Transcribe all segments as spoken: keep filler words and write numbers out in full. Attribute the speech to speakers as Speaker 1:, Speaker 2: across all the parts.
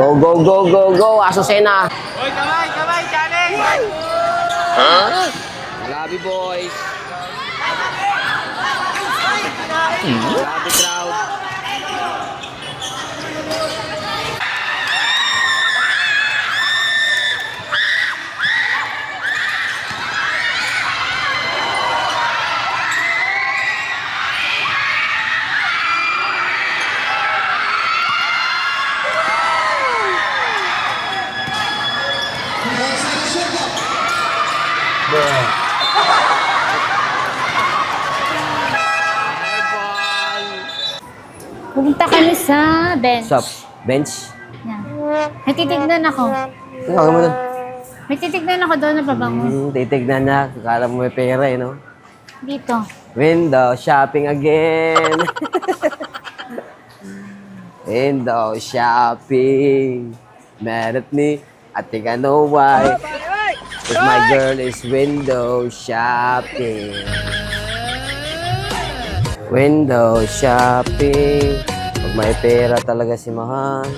Speaker 1: Go, go, go, go, go, Azucena.
Speaker 2: Hoy, kamay, kamay, challenge!
Speaker 1: Huh? Grabe, boys. Grabe, crowd.
Speaker 3: Pupunta kami sa bench.
Speaker 1: Sup? Bench?
Speaker 3: Yan. May titignan ako.
Speaker 1: Ikaw mo dun.
Speaker 3: May titignan ako doon na pabango.
Speaker 1: Hmm, titignan niya. Kala mo may pera eh, no?
Speaker 3: Dito.
Speaker 1: Window shopping again. Window shopping. Mad at me. I think I know why. If my girl is window shopping. Window shopping. Pag may pera talaga si Mahal.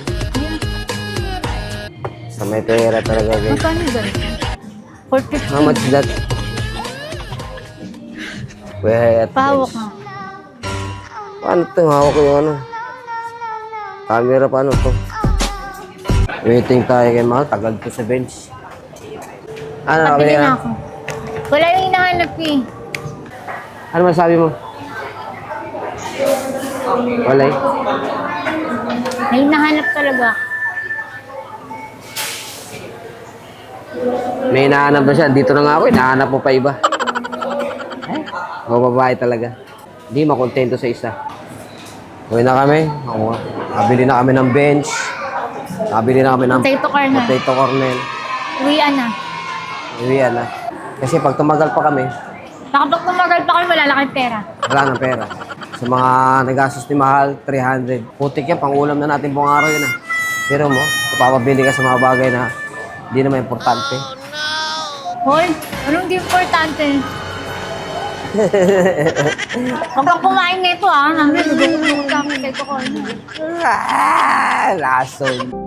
Speaker 1: Sa may pera talaga guys.
Speaker 3: Magkano ganito? four fifty.
Speaker 1: How much is that? Wait.
Speaker 3: Pahawak nga.
Speaker 1: Paano ito? Hawak ko yung ano? Camera, paano to? Waiting tayo kay Mahal. Tagal to sa bench. Ano,
Speaker 3: Pabili
Speaker 1: nakabili
Speaker 3: na
Speaker 1: ka?
Speaker 3: ako. Wala yung hinahanap eh.
Speaker 1: Ano masabi mo? Wala eh.
Speaker 3: May hinahanap talaga.
Speaker 1: May hinahanap na siya. Dito na nga ako. Hinahanap mo pa iba. Eh, mga babae talaga. Hindi makontento sa isa. Uwi na kami. Ako, nabili na kami ng bench. Nabili na kami ng
Speaker 3: Potato corner.
Speaker 1: potato cornel.
Speaker 3: Uwian na.
Speaker 1: Uwian na. Kasi pag tumagal pa kami,
Speaker 3: Baka pag tumagal pa kami, wala lang kayong pera.
Speaker 1: wala nang pera. Sa mga nagastos ni Mahal, three hundred. Putik yan, pang-ulam na natin buong araw yun ah. Pero mo, papabili ka sa mga bagay na hindi naman importante.
Speaker 3: Hoy, anong di importante? Huwag kang kumain nito ah. Namin, nagugugug kami sa ito ko.
Speaker 1: Ah, lason.